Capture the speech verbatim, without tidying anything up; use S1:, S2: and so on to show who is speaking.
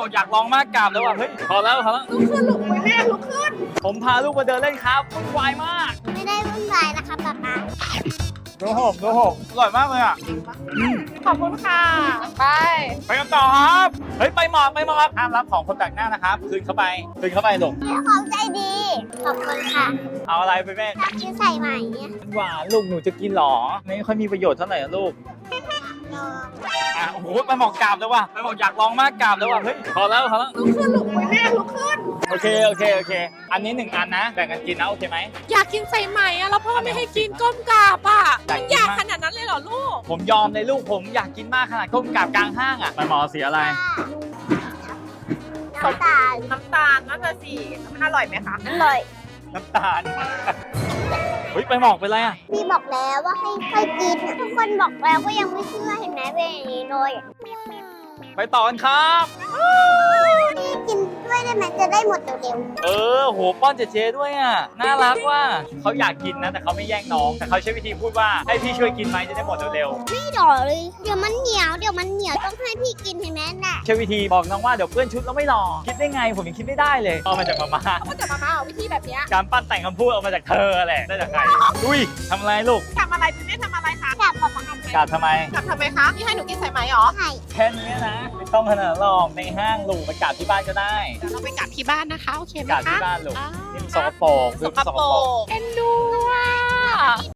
S1: บอกอยากลองมากกราบแล้วว่ะเฮ้ยพอแล้วพอแล้ว
S2: ลุกขึ้นลุกไปแม่ลุกขึ้น
S1: ผมพาลูกมาเดินเล่นครับวุ่นวายมาก
S3: ไม่ได้วุ่นวายนะคะป๊าป๊า
S1: ดูหกดูหกอร่อยมากเลยอ่ะ
S2: ขอบคุณค่ะ ไป
S1: ไปกันต่อครับเฮ้ยไปหมอกไปหมอกห้ามรับของคนแปลกหน้านะครับคืนเข้าไปคืนเข้าไปลูก
S3: พี่ของใจดี ขอบคุณค่ะ
S1: เอาอะไรไปแม่
S3: ชอบกินใส่ใหม่เนี่ย
S1: หวานลูกหนูจะกินหรอไม่ค่อยมีประโยชน์เท่าไหร่อะลูก
S3: ลอง
S1: อ่ะโอ้โหไปหมอกกราบแล้วว่ะไปหมอกอยากลองมากกราบแล้วว่ะเฮ้ยพอแล้วพอแล้ว
S2: ลุกขึ้นลุกไปแม่ลุกขึ้น
S1: โอเคโอเคโอเค อันนี้หนึ่งอันนะแบ่งกันกินนะโอเคไหม
S2: อยากกินใส่ใหม่อะแล้วพ่อไม่ให้กินก้มกราบอะ
S1: อยากกิน
S2: มันอยาก
S1: มาก
S2: ขนาดนั้นเลยเหรอลูก
S1: ผมยอมเลยลูกผมอยากกินมากขนาดก้มกราบกลางห้างอ่ะไปหมอเสียอะไร
S3: น้ำตาล
S2: น้ำตาลนั่นน่ะสิมันอร่อยไหมคะ
S3: อร่อย
S1: น้ำตาลเฮ้ยไปหมอกไปนไรอ่ะ
S3: พี่บอกแล้วว่าให้ค่อยกินอะทุกคนบอกแล้วก็ยังไม่เชื่อเห็นไหมเป็นอย่างนี้เลย
S1: ไปต่อกันครับ
S3: พี่กินด้วยได้ไหมจะได้หมดเร็ว
S1: เออโหป้อนเจเจด้วยอ่ะน่ารักว่าเขาอยากกินนะแต่เขาไม่แย่งน้องแต่เขาใช้วิธีพูดว่าให้พี่ช่วยกินไหมจะได้หมดเร็ว
S3: ๆไม่ดอเลย เดี๋ยวมันเหนียวเดี๋ยวมันเหนียวต้องให้พี่กินเห็นไหมน่ะ
S1: ๆใช้วิธีบอกน้องว่าเดี๋ยวเพื่อนชุดแล้วไม่รอคิดได้ไงผมยังคิดไม่ได้เลยเอามาจากมาม่า
S2: ก็จะมามาเอาวิธีแบบเนี้ย
S1: การปั้นแต่งคำพูดเอามาจากเธอแหละได้จากใครอุ้ยทำอะไรลูก
S2: ทำอะไรพี่ไม่ทำอะไรคะ
S3: กลับป๊าป๊าก
S1: ราบทำไม
S2: กลับทำไมคะพี่ให้หนูกินใส่ไหมหรอ
S3: ไข่
S1: แค่นี้นะไม่ต้องขนาดนั้นหรอกในห้างลูกไปกราบที่บ้านก็ได้
S2: เดี๋ยวเราไปกลับที่บ้านนะคะโอเคไหม
S1: กราบ
S2: คะ
S1: ที่บ้านลูก
S2: อ่า
S1: นี่มันสกปรก
S2: สกปรกเอ็นดูอ่ะ